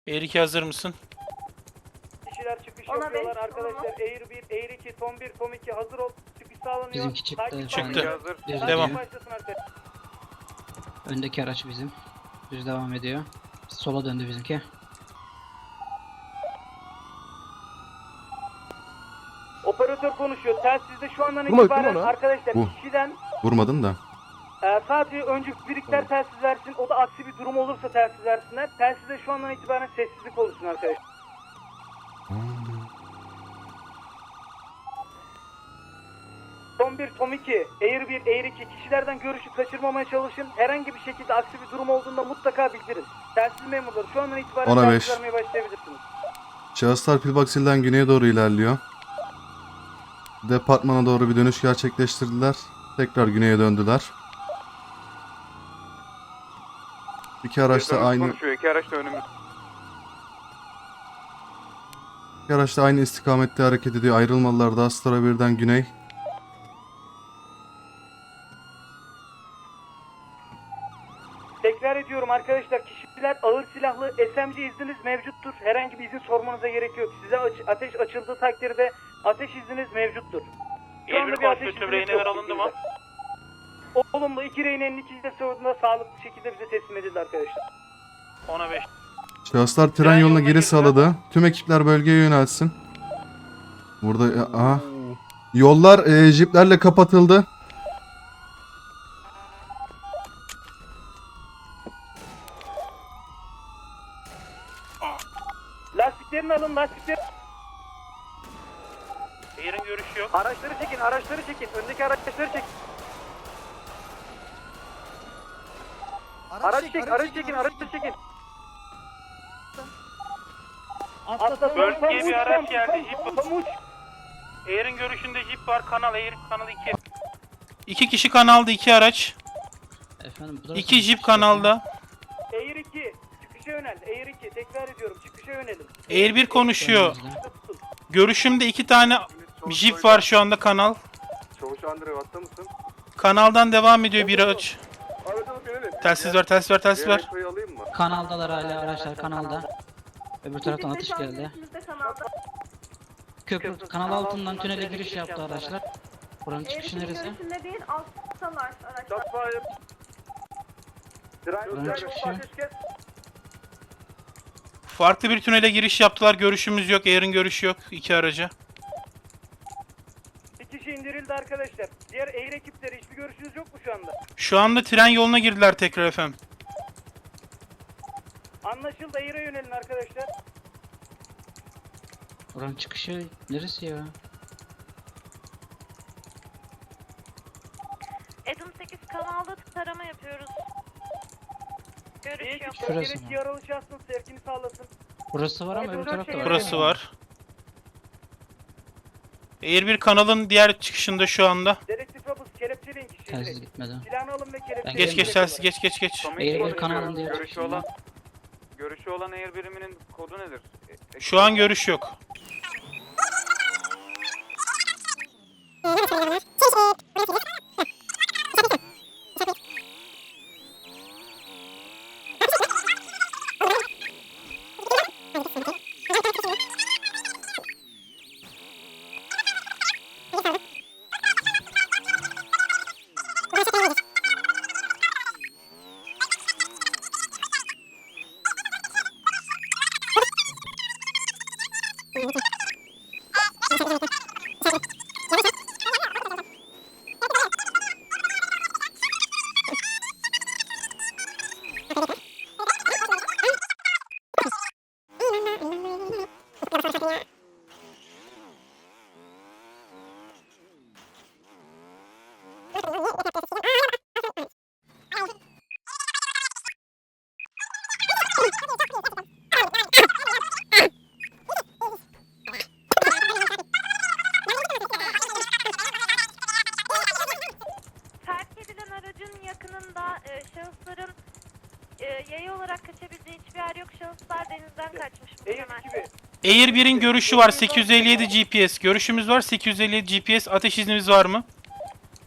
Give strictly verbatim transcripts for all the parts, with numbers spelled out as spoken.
Air iki hazır mısın? Kişiler çıkış Ona yapıyorlar beş, arkadaşlar. Air bir, Air iki, Tom bir, Tom iki hazır ol. Çıkış sağlanıyor. Bizimki çıktı Takip şu an. Çıktı. başlasın. Düz Takip Devam. gidiyor. başlasın arkadaşlar. Öndeki araç bizim. Düz devam ediyor. Sola döndü bizimki. Operatör konuşuyor. Telsizde şu andan Vurma, itibaren vurma lan. arkadaşlar Bu. kişiden Vurmadın da. e, sadece öncü birlikler telsiz versin. O da aksi bir durum olursa telsiz versinler. Telsizde şu andan itibaren sessizlik oluşsun arkadaşlar. Tom bir, Tom iki, Air bir, Air iki kişilerden görüşü kaçırmamaya çalışın. Herhangi bir şekilde aksi bir durum olduğunda mutlaka bildirin. Telsiz memurları şu andan itibaren Ona telsiz beş. vermeye başlayabilirsiniz. Şahıslar Pillbox Hill'den güneye doğru ilerliyor. Departmana doğru bir dönüş gerçekleştirdiler. Tekrar güneye döndüler. İki araç da aynı Konuşuyor. İki araç da önümüz. iki araç da aynı istikamette hareket ediyor. Ayrılmalılar da Astra birden güney. Tekrar ediyorum arkadaşlar, kişiler ağır silahlı S M G izniniz mevcuttur. Herhangi bir izin sormanıza gerek yok. Size aç- ateş açıldığı takdirde ateş izniniz mevcuttur. Şu anda bir ateş izniniz reyneler yok. alındı mı? Olumlu, iki reynenin ikisi de sonunda sağlıklı şekilde bize teslim edildi arkadaşlar. ona beş. Şahıslar tren Tren yoluna yoluna geri girdiler. sağladı. Tüm ekipler bölgeye yönelsin. Burada aha. Yollar e, jiplerle kapatıldı. Lastiklerini alın, lastikleri. Air'in görüşü yok. Araçları çekin, araçları çekin. Öndeki araçları çekin. Araç çek, araç çekin, araçları çekin. Atla, Bölgeye bir araç geldi, Tam, jip. tam uç. Air'in görüşünde jip var. Kanal Air, kanal iki. İki kişi kanalda, iki araç. Efendim bu tarafa İki mı jip çıkacak? kanalda. Air iki, çıkışa yönel. Air iki, tekrar ediyorum, çıkışa yönelin. Air bir konuşuyor. Önümüzde. Görüşümde iki tane jip var şu anda kanal. Çavuş Andre hatta mısın? Kanaldan devam ediyor bir araç. Aracını binelim. Telsiz ver, telsiz ver, telsiz ver. Diğer alayım mı? Kanaldalar hala araçlar kanalda. Öbür taraftan atış geldi. Köprü kanal altından tünele giriş yaptı araçlar. Buranın çıkışı neresi? Görüşünde değil, alttalar araçlar. Shotfire. Buranın Drive. çıkışı. Ateş kes. Farklı bir tünele giriş yaptılar. Görüşümüz yok. Air'in görüşü yok. İki araca. Bir kişi indirildi arkadaşlar. Diğer Air ekipleri hiçbir görüşünüz yok mu şu anda? Şu anda tren yoluna girdiler tekrar efendim. Anlaşıldı, Air'e yönelin arkadaşlar. Buranın çıkışı neresi ya? Adam sekiz kanalda tarama yapıyoruz. Bir Görüş yok. ekip Şurası bölgedeki mı? yaralı şahsın sevkini sağlasın. Burası var ama öbür tarafta var. Burası var. Air bir kanalın diğer çıkışında şu anda. Dedektif Robus kelepçeleyin kişiyi. Telsiz gitmedi. Silahını alın ve kelepçeleyin. Geç geç telsiz, geç geç geç. Tommy Air bir konuşuyor. kanalın diğer Görüşü çıkışında. olan Görüşü olan Air biriminin kodu nedir? E- Şu an görüş yok. Terk edilen aracın yakınında e, şahısların e, yayı olarak kaçabildiği hiçbir yer yok. Şahıslar denizden kaçmış Air muhtemelen. ekibi. Air bir'in görüşü var. sekiz yüz elli yedi G P S. Görüşümüz var. sekiz yüz elli yedi G P S. Ateş iznimiz var mı?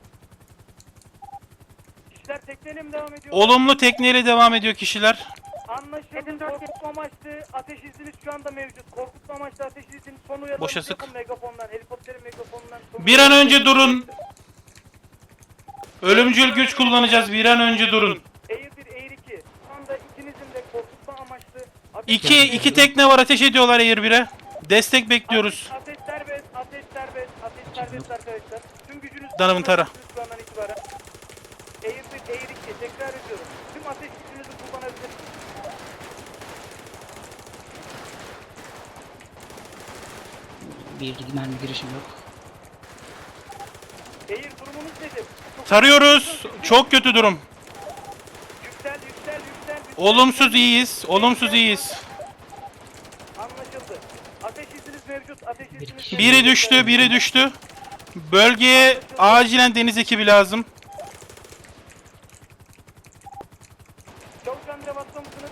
Kişiler tekneyle mi devam ediyor? Olumlu tekneyle devam ediyor kişiler. Anlaşıldı. Korkutma amaçlı ateş izniniz şu anda mevcut. Korkutma amaçlı ateş izniniz son uyarılarınızı Boşa sık. yapın megafondan. Helikopterin megafonundan. son Bir an önce uyarılarınızı durun. Ölümcül güç kullanacağız. Bir an önce durun. Air bir, Air iki. Şu anda ikinizin de korkutma amaçlı ateş İki, iki tekne var, ateş ediyorlar Air bir'e. Destek bekliyoruz. Ateş serbest, ateş serbest, ateş serbest arkadaşlar. Tüm gücünüz Danımın tara. şu andan itibaren. Air bir, Air iki. Tekrar ediyorum. Tüm ateş gücünüzü kullanabilirsiniz. Bir mermi girişim yok. Air durumunuz nedir? Çok Tarıyoruz. Çok kötü durum. yüksel, yüksel, yüksel. yüksel. Olumsuz iyiyiz. Olumsuz iyiyiz. Anlaşıldı. Ateş izniniz mevcut. Ateş Bir izniniz kişi- Biri düştü, biri düştü. Bölgeye acilen deniz ekibi lazım. Çavuş Andre batta mısınız?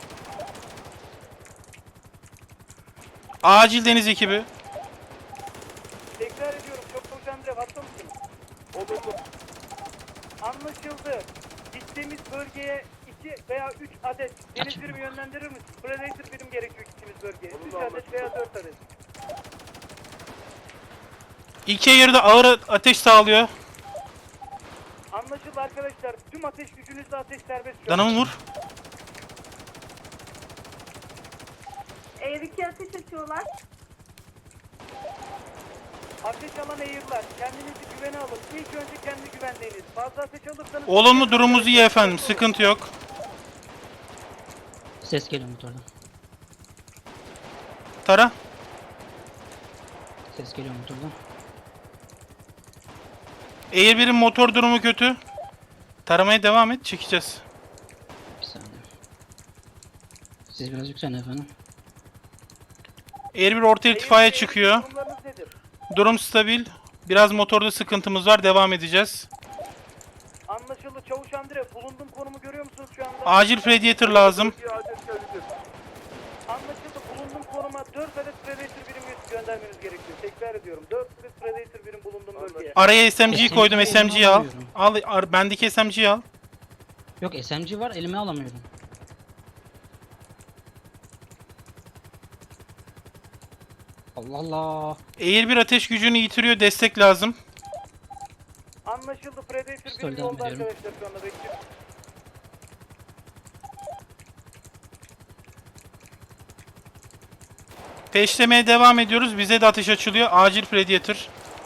Acil deniz ekibi. Tekrar ediyorum. Çok Çavuş Andre batta mısınız? Olumlu. Anlaşıldı. Gittiğimiz bölgeye iki veya üç adet deniz Açın. birimi yönlendirir misiniz? Predator birim gerekiyor gittiğimiz bölgeye. üç adet veya dört adet. İki Air de ağır ateş sağlıyor. Anlaşıldı arkadaşlar. Tüm ateş gücünüzle ateş serbest şu an. Danımı vur. Air iki ateş açıyorlar. Ateş alan eğirler. Kendinizi güvene alın. İlk önce kendi güvenliğiniz. Fazla ateş alırsanız... Olumlu durumumuz iyi efendim. Sıkıntı yok. Ses geliyor motordan. Tara. Ses geliyor motordan. Air bir'in motor durumu kötü. Taramaya devam et. Çekeceğiz. Bir saniye. Siz biraz yükselin efendim. Air bir orta irtifaya Eğir- çıkıyor. Durumlarınız nedir? Durum stabil. Biraz motorda sıkıntımız var. Devam edeceğiz. Anlaşıldı. Çavuş Andre, bulunduğum konumu görüyor musunuz şu anda? Acil Predator lazım. Anlaşıldı. Bulunduğum konuma dört adet Predator birim göndermeniz gerekiyor. Tekrar ediyorum. dört adet Predator birim bulunduğum bölgeye. Araya S M G'yi koydum. S M G'yi S M G'yi al. alamıyorum. Al, ar- bendeki S M G'yi al. Yok S M G var elime alamıyorum. Allah Allah. Air bir ateş gücünü yitiriyor. Destek lazım. Anlaşıldı. Predator Pistol birim devam yolda ediyorum. arkadaşlar şu anda bekliyor. Peşlemeye devam ediyoruz. Bize de ateş açılıyor. Acil Predator.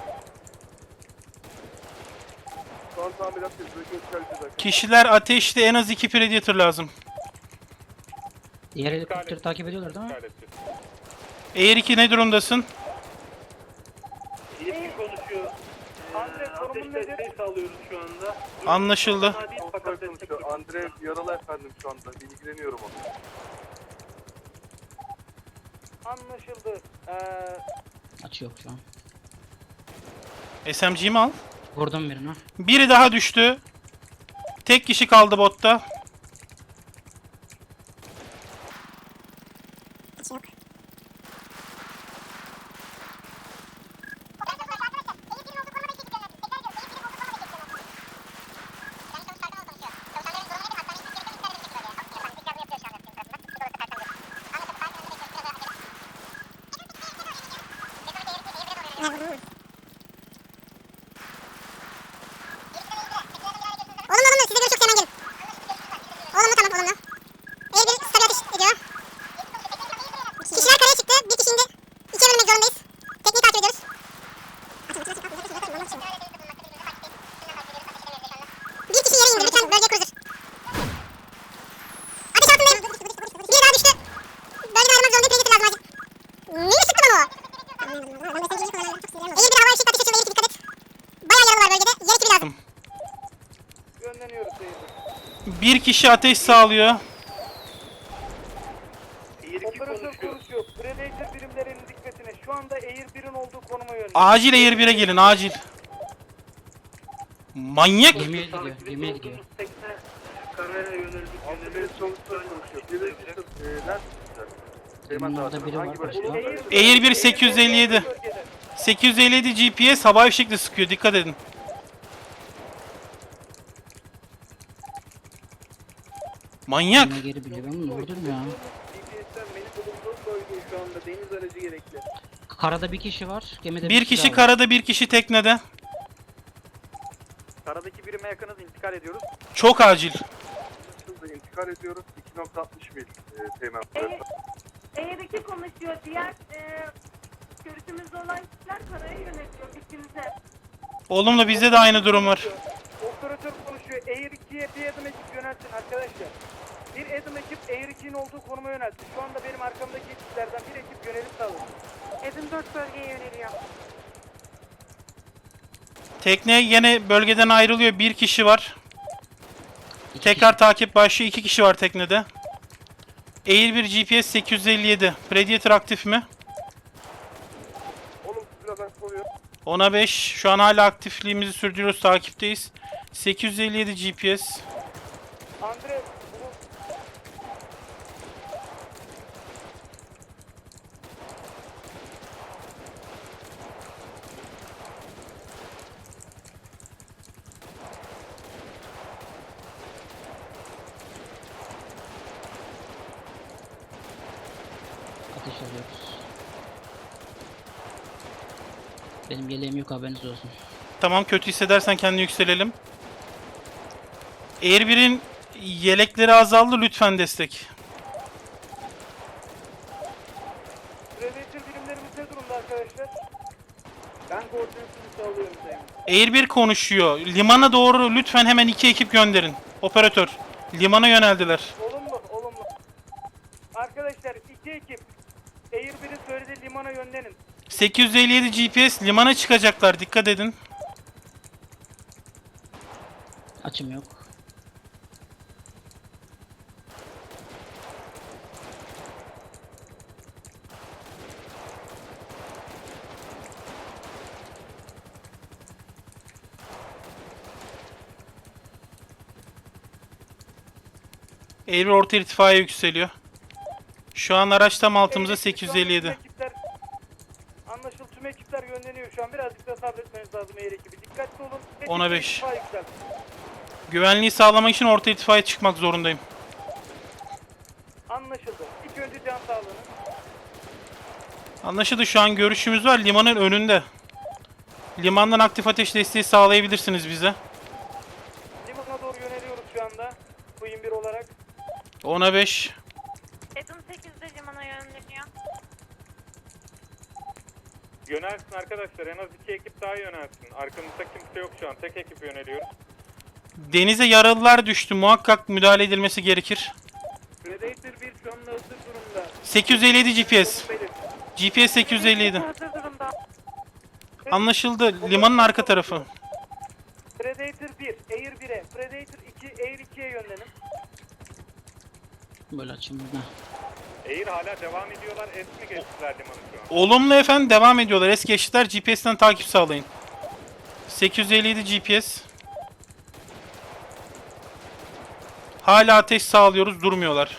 Kişiler ateşte, en az iki Predator lazım. Diğer helikopteri takip ediyorlar değil mi? Air iki ne durumdasın? Yetki konuşuyor. Andre konumun nedir? sağlıyoruz şu anda. Anlaşıldı. Andre yaralı efendim şu anda. İlgileniyorum ona. Anlaşıldı. Ee, Açı yok şu an. S M G'yi mi al? Vurdum birini. Biri daha düştü. Tek kişi kaldı botta. Olumlu olumlu size göre çok hemen gelin. Olumlu tamam olumlu. E bir stabil atış ediyor. Kişiler karaya çıktı. Bir kişi indi. İkiye bölmek zorundayız. Tekniği takip ediyoruz. Açın açın açın. Bir kişi yere indi. Lütfen bölge cruiser. Ateş altındayım. Biri daha düştü. Bölgeden ayrılmak zorundayım. Predator lazım acil. Neyi sıktı bana o? Eğer bir havai fişek ateş açıldı. Eğer iki dikkat et. Bayağı yaralı var bölgede. Yer ekibi lazım. Gönleniyoruz seyirci. Bir kişi ateş sağlıyor. Operatör konuşuyor. Predator birimlerinin dikkatine. Şu anda Air bir'in olduğu konuma yönlendir. Acil Air bir'e gelin, acil. Manyak. Gemiye gidiyor. Gemiye gidiyor. Andre sonuçta konuşuyor. Bir de bizim e, neredesiniz? Seyman Bunlarda Dağı'nda. biri var Hangi başka. bölge? Air bir sekiz yüz elli yedi. sekiz yüz elli yedi G P S havai fişekle sıkıyor. Dikkat edin. Manyak. Yine geri biliyor. Ben vurdum ya. G P S'ten benim bulunduğum bölgeye şu anda deniz aracı gerekli. Karada bir kişi var. Gemide Bir kişi daha var. karada, bir kişi teknede. Karadaki birime yakınız, intikal ediyoruz. Çok acil. Hızla intikal ediyoruz. iki nokta altmış mil e, teğmen. Eğer iki konuşuyor, diğer e, görüşümüzde olan kişiler karaya yönetiyor fikrimize. Olumlu, bizde de aynı durum var. Operatör konuşuyor. Air ikiye bir adım ekip yöneltin arkadaşlar. Bir adım ekip Air iki'nin olduğu konuma yöneltin. Şu anda benim arkamdaki ekiplerden bir ekip yönelim sağlıyor. Edim dört bölgeye yöneliyor. Tekne yine bölgeden ayrılıyor. Bir kişi var. İki Tekrar kişi. takip başlıyor. İki kişi var teknede. Air bir G P S sekiz yüz elli yedi. Predator aktif mi? Olumsuz biraz aktif oluyor. ona beş. Şu an hala aktifliğimizi sürdürüyoruz. Takipteyiz. sekiz yüz elli yedi G P S. Andre bu Ateş alıyoruz. Benim yeleğim yok, haberiniz olsun. Tamam, kötü hissedersen kendini yükselelim. Air bir'in yelekleri azaldı. Lütfen destek. Predator birimlerimiz ne durumda arkadaşlar? Ben koordinatını sağlıyorum Sayın. Air bir konuşuyor. Limana doğru lütfen hemen iki ekip gönderin. Operatör. Limana yöneldiler. Olumlu, olumlu. Arkadaşlar iki ekip Air bir'in söylediği limana yönlenin. sekiz yüz elli yedi G P S limana çıkacaklar. Dikkat edin. Açım yok. Air bir orta irtifaya yükseliyor. Şu an araç tam altımızda Air iki, sekiz yüz şu anda elli yedi. tüm ekipler- Anlaşıldı, tüm ekipler yönleniyor şu an. Birazcık da sabretmeniz lazım Air ekibi. Dikkatli olun. Hepsi ona beş. irtifa yükseltin. Güvenliği sağlamak için orta irtifaya çıkmak zorundayım. Anlaşıldı. İlk önce can sağlığını. Anlaşıldı, şu an görüşümüz var limanın önünde. Limandan aktif ateş desteği sağlayabilirsiniz bize. Limana doğru yöneliyoruz şu anda. Queen bir olarak. ona beş. Edim sekizde limana yönleniyor. Yönelsin arkadaşlar, en az iki ekip daha yönelsin. Arkamızda kimse yok şu an, tek ekip yöneliyoruz. Denize yaralılar düştü. Muhakkak müdahale edilmesi gerekir. Predator bir şu anda hazır durumda. sekiz yüz elli yedi G P S. Konum belir. G P S sekiz yüz elli yedi. Hazır durumda. Anlaşıldı. Limanın arka tarafı. Predator bir, Air bir'e, Predator iki, Air ikiye yönlenin. Böyle açım. Heh. Air hala devam ediyorlar, es mi geçtiler limanı şu an? Olumlu efendim, devam ediyorlar. Es geçtiler. G P S'ten takip sağlayın. sekiz yüz elli yedi G P S. Hala ateş sağlıyoruz. Durmuyorlar.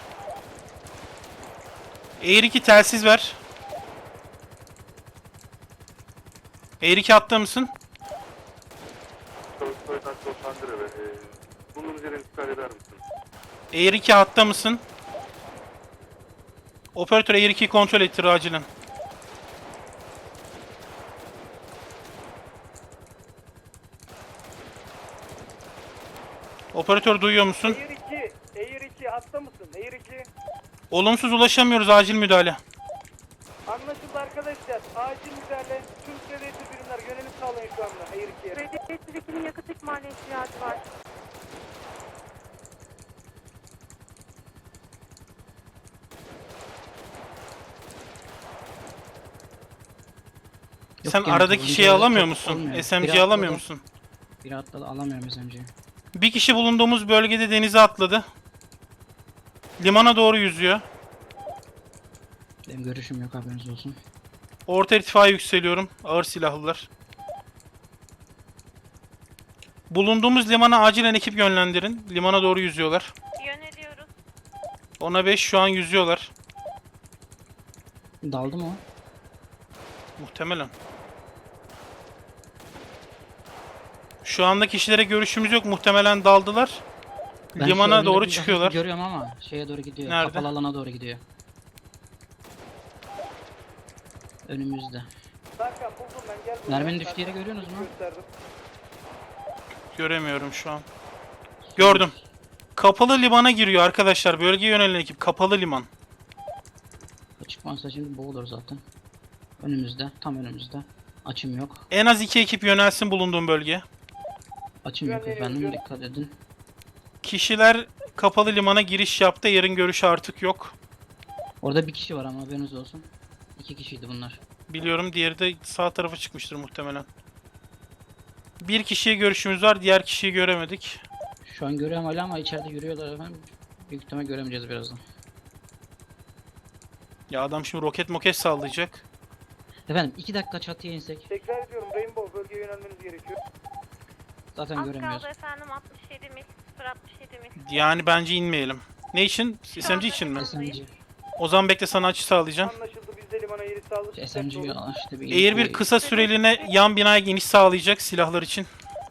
Air iki telsiz ver. Air iki hatta mısın? Soy taksi Otandre ve e, bunun üzerine intikal eder misin? Air iki hatta mısın? Operatör Air ikiyi kontrol ettir acilen. Operatör duyuyor musun? Air iki, Air iki hatta mısın? Air iki. Olumsuz ulaşamıyoruz, acil müdahale. Anlaşıldı arkadaşlar. Acil müdahale. Tüm Predator birimler yönelim sağlayın şu anda Air ikiye. Predator ikinin yakıt ikmaline ihtiyacı var. Yok, Sen gene aradaki bulunca şeyi alamıyor çok musun? olmuyor. S M G'yi Biri alamıyor atladı. musun? Biri atladı, alamıyorum S M G'yi. Bir kişi bulunduğumuz bölgede denize atladı. Limana doğru yüzüyor. Benim görüşüm yok, haberiniz olsun. Orta irtifaya yükseliyorum. Ağır silahlılar. Bulunduğumuz limana acilen ekip yönlendirin. Limana doğru yüzüyorlar. Yöneliyoruz. ona beş şu an yüzüyorlar. Daldı mı o? Muhtemelen. Şu anda kişilere görüşümüz yok. Muhtemelen daldılar. Ben şu Limana önümde doğru bir çıkıyorlar. hafif görüyorum ama şeye doğru gidiyor. Nerede? Kapalı alana doğru gidiyor. Önümüzde. Serkan buldum ben, gel buraya. Merminin düştüğü yeri görüyorsunuz mu? Gösterdim. Göremiyorum şu an. Gördüm. Kapalı limana giriyor arkadaşlar. Bölgeye yönelen ekip. Kapalı liman. Çıkmazsa şimdi boğulur zaten. Önümüzde. Tam önümüzde. Açım yok. En az iki ekip yönelsin bulunduğum bölgeye. Açım yok Güvenliğe efendim. yürüyorum. Dikkat edin. Kişiler kapalı limana giriş yaptı. Yerin görüşü artık yok. Orada bir kişi var ama haberiniz olsun. İki kişiydi bunlar. Biliyorum, diğeri de sağ tarafa çıkmıştır muhtemelen. Bir kişiye görüşümüz var. Diğer kişiyi göremedik. Şu an görüyorum hala ama içeride yürüyorlar efendim. Büyük ihtimal göremeyeceğiz birazdan. Ya adam şimdi roket moket sallayacak. Efendim iki dakika çatıya insek. Tekrar ediyorum, Rainbow bölgeye yönelmeniz gerekiyor. Zaten Az göremiyoruz. kaldı efendim, altmış yedi mil, sıfır altmış yedi mil. Yani bence inmeyelim. Ne için? S M G için mi? S M G. O zaman bekle, sana açı sağlayacağım. Anlaşıldı, biz de limana yeri sağladık. S M G işte bir Eğer bir kısa süreliğine yan binaya iniş sağlayacak silahlar için.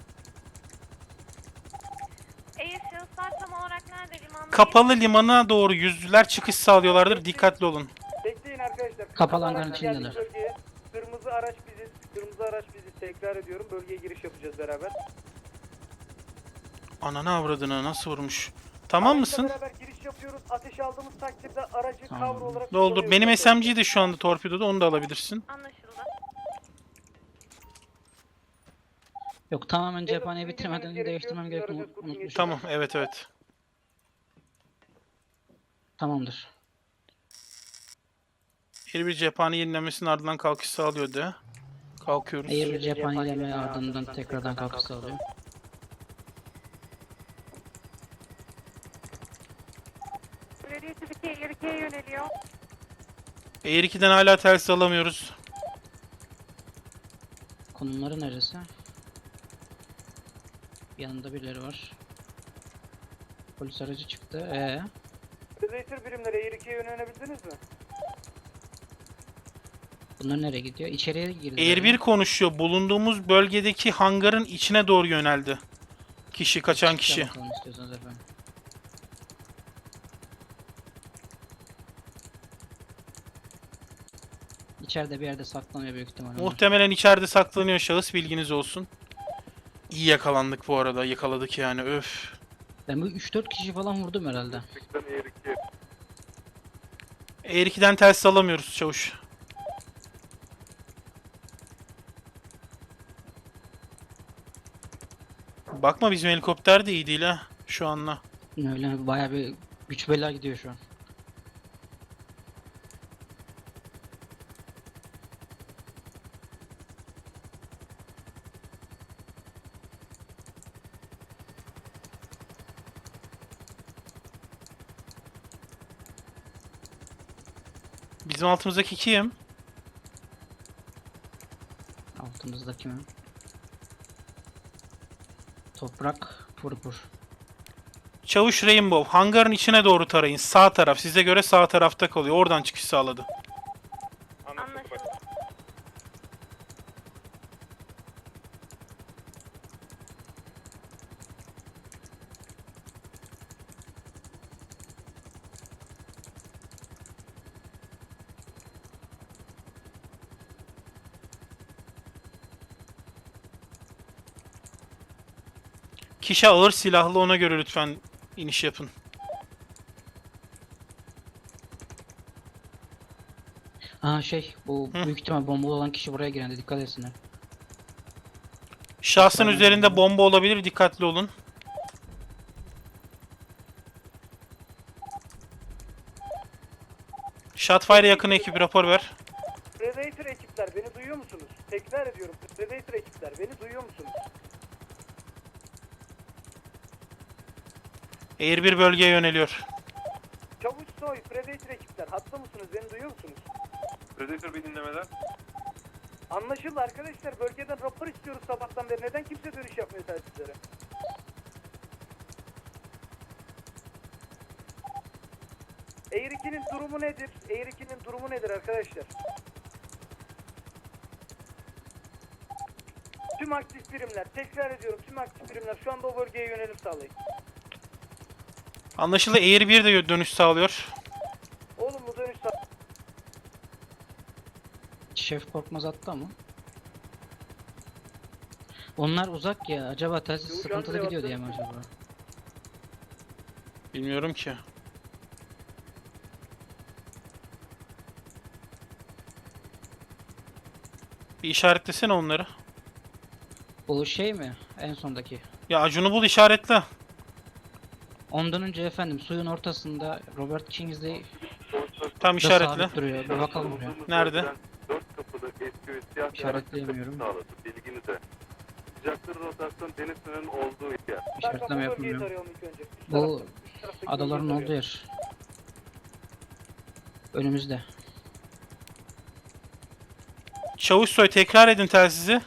Eğer şahıslar tam olarak nerede limanda? Kapalı limana doğru yüzdüler, çıkış sağlıyorlardır. Dikkatli olun. Bekleyin arkadaşlar. Kapalı Araç hangarın geldi içindeler. bölgeye. Kırmızı araç biziz. Kırmızı araç biziz. Tekrar ediyorum. Bölgeye giriş yapacağız beraber. Ananı avradını nasıl vurmuş? Tamam Araçla mısın? beraber giriş yapıyoruz. Ateş aldığımız takdirde aracı Tamam. cover olarak Doldur. kullanıyoruz Benim arkadaşlar. S M G de şu anda torpidoda, onu da alabilirsin. Anlaşıldı. Yok tamamen cephaneyi Yazıp bitirmeden bildirmeniz değiştirmem gerekiyor. gerektiğini Aracı unutmuşum. Tamam, evet evet. Tamamdır. Her bir cephane yenilenmesinin ardından kalkış sağlıyor de. Kalkıyoruz. Eğer bir cephane ileme ardından tekrardan kalkış sağlıyor. Belediye Türkiye ileri ikiye yöneliyor. Eğer ikiden hala telsiz alamıyoruz. Konumları neresi? Yanında birileri var. Polis aracı çıktı. Ee, Predator birimleri Air ikiye yönelebildiniz mi? bunlar nereye gidiyor? İçeriye girdi. Eğer bir konuşuyor. Bulunduğumuz bölgedeki hangarın içine doğru yöneldi. Kişi, kaçan kişi. Bakalım istiyorsanız efendim. İçeride bir yerde saklanıyor büyük ihtimalle. Muhtemelen içeride saklanıyor şahıs, bilginiz olsun. İyi yakalandık bu arada. Yakaladık yani, öf. Ben bu üç dört kişi falan vurdum herhalde. Çıktan Air iki. Eğer ikiden telsiz alamıyoruz çavuş. Bakma, bizim helikopter de iyi değil ha şu anla. Öyle bayağı bir güç bela gidiyor şu an. Bizim altımızdaki kim? Altımızdaki mi? Toprak purpur. Çavuş Rainbow. Hangarın içine doğru tarayın. Sağ taraf. Size göre sağ tarafta kalıyor. Oradan çıkış sağladı. Anlaşıldı. Anlaşıldı. Kişi ağır silahlı, ona göre lütfen iniş yapın. Aa şey bu Hı. büyük ihtimal bombalı olan kişi buraya giren de dikkat etsinler. Şahsın Tamam. üzerinde bomba olabilir. Dikkatli olun. Shotfire yakın ekip, rapor ver. Predator ekipler beni duyuyor musunuz? Tekrar ediyorum. Predator ekipler beni duyuyor musunuz? Air bir bölgeye yöneliyor. Çavuş Soy, Predator ekipler hatta mısınız? Beni duyuyor musunuz? Predator bir dinlemeden. Anlaşıldı arkadaşlar. Bölgeden rapor istiyoruz sabahtan beri. Neden kimse dönüş yapmıyor telsizlere? Air ikinin durumu nedir? Air ikinin durumu nedir arkadaşlar? Tüm aktif birimler, tekrar ediyorum, tüm aktif birimler şu anda o bölgeye yönelim sağlayın. Anlaşıldı. Air bir de dönüş sağlıyor. Olumlu dönüş sağ. Şef Korkmaz attı ama. Onlar uzak ya. Acaba telsiz Yok, sıkıntılı yandı, gidiyor diye yaptı. mi acaba? Bilmiyorum ki. Bir işaretlesene onları. Bu şey mi? En sondaki. Ya Acun'u bul işaretle. Ondan önce efendim suyun ortasında Robert Kingsley Tam da işaretle. sabit duruyor. Bir bakalım buraya. Nerede? Dört kapılı eski ve siyah bir İşaretleyemiyorum. araç sağladı. Bilginize. Sıcaklık rotasyon deniz sınırının olduğu yer. İşaretleme yapılmıyor. Tarayalım ilk önce. Üst Bu tarafta- üst taraftaki adaların bölgeyi olduğu yer. Önümüzde. Çavuşsoy tekrar edin telsizi.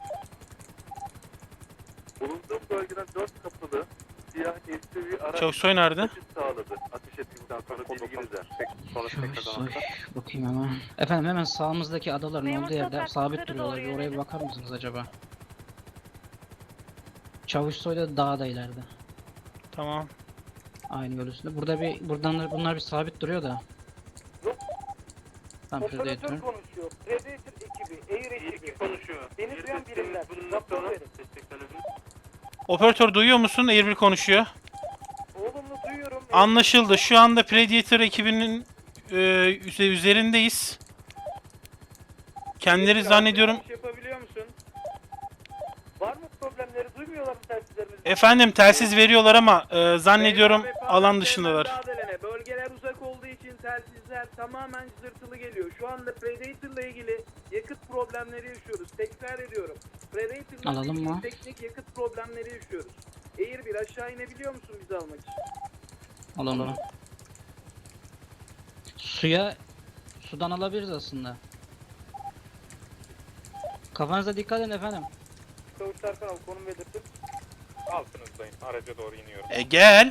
Bulunduğum bölgeden dört kapılı siyah eski bir araç Çavuşsoy nerede? geçiş sağladı. Ateş ettikten sonra bilginize. Çavuşsoy. Bakayım ama. Efendim hemen sağımızdaki adaların Memur olduğu yerde Sokak sabit yukarı duruyorlar. doğru Bir oraya bir yönelim. bakar mısınız acaba? Çavuşsoy da dağda ileride. Tamam. Aynı yol üstünde. Burada bir buradan bunlar bir sabit duruyor da. Yok. Tamam şurada Operatör yatıyor. konuşuyor. Predator ekibi, Air ekibi. konuşuyor. Beni duyan birimler. Rapor verin. Operatör duyuyor musun? Air bir konuşuyor. Olumlu duyuyorum. Anlaşıldı. Şu anda Predator ekibinin e, üze- üzerindeyiz. Kendileri zannediyorum... Yapabiliyor musun? Var mı problemleri? Duymuyorlar mı telsizlerimizi? Efendim telsiz veriyorlar ama e, zannediyorum alan dışındalar. Müdahalene. Bölgeler uzak olduğu için telsizler tamamen zırtılı geliyor. Şu anda Predator'la ilgili yakıt problemleri yaşıyoruz. Tekrar ediyorum. Predator'la Alalım ilgili mı? teknik yakıt problemleri yaşıyoruz. Air bir aşağı inebiliyor musun bizi almak için? Alalım mı? Suya sudan alabiliriz aslında. Kafanıza dikkat edin efendim. Çavuş Serkan al konum belirtin. Altınızdayım. Araca doğru iniyorum. E, gel.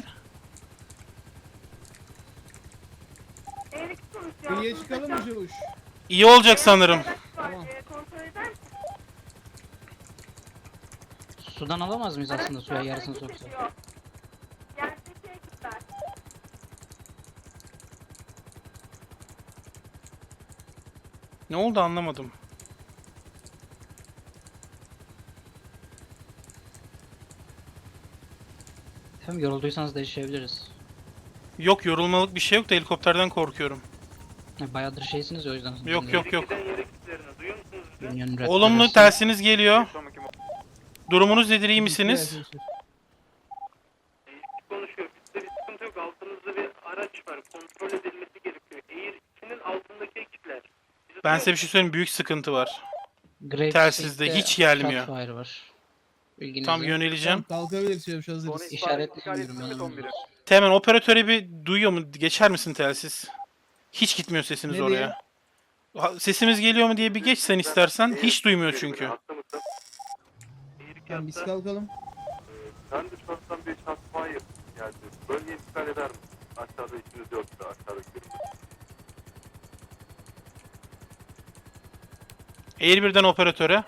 Erik konuşuyor. Kıyıya çıkalım mı Çavuş? İyi olacak sanırım. Tamam. Kontrol eder misin? Sudan alamaz mıyız aslında suya Araç yarısını hareket soksa? ediyor. Yerdeki ekipler. Ne oldu anlamadım. Efendim yorulduysanız değişebiliriz. Yok yorulmalık bir şey yok da helikopterden korkuyorum. Ya, bayağıdır şeysiniz ya o yüzden. Yok yok yok. Union Red Olumlu Cross'ın- telsiniz geliyor. Durumunuz nedir, iyi misiniz? Konuşuyor. Bizde bir sıkıntı yok. Altınızda bir araç var. Kontrol edilmesi gerekiyor. Air ikinin altındaki ekipler. Ben size bir şey söyleyeyim, büyük sıkıntı var. Grape Telsizde State'de hiç gelmiyor. Shotfire var. Bilginize. Tam yöneleceğim. Kalkabilir Çavuş hazırız. İşaretlemiyorum ben. Teğmen operatöre bir duyuyor mu? Geçer misin telsiz? Hiç gitmiyor sesiniz Ne oraya. Ha, Sesimiz geliyor mu diye bir geç sen istersen. Hiç duymuyor çünkü. Tamam biz kalkalım. Ben dışarıdan bir çatmaya geldi. Bölgeyi iptal eder misin? Aşağıda işiniz yoksa aşağıdaki birimler. Air birden operatöre.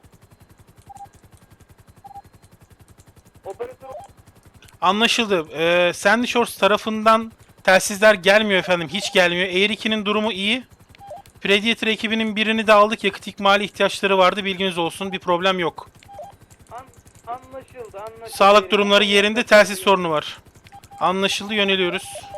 Operatör Anlaşıldı. Ee, Sandy Shores tarafından telsizler gelmiyor efendim. Hiç gelmiyor. Air ikinin durumu iyi. Predator ekibinin birini de aldık. Yakıt ikmali ihtiyaçları vardı. Bilginiz olsun. Bir problem yok. an, anlaşıldı anlaşıldı. Sağlık durumları yerinde. Telsiz sorunu var. Anlaşıldı. Yöneliyoruz.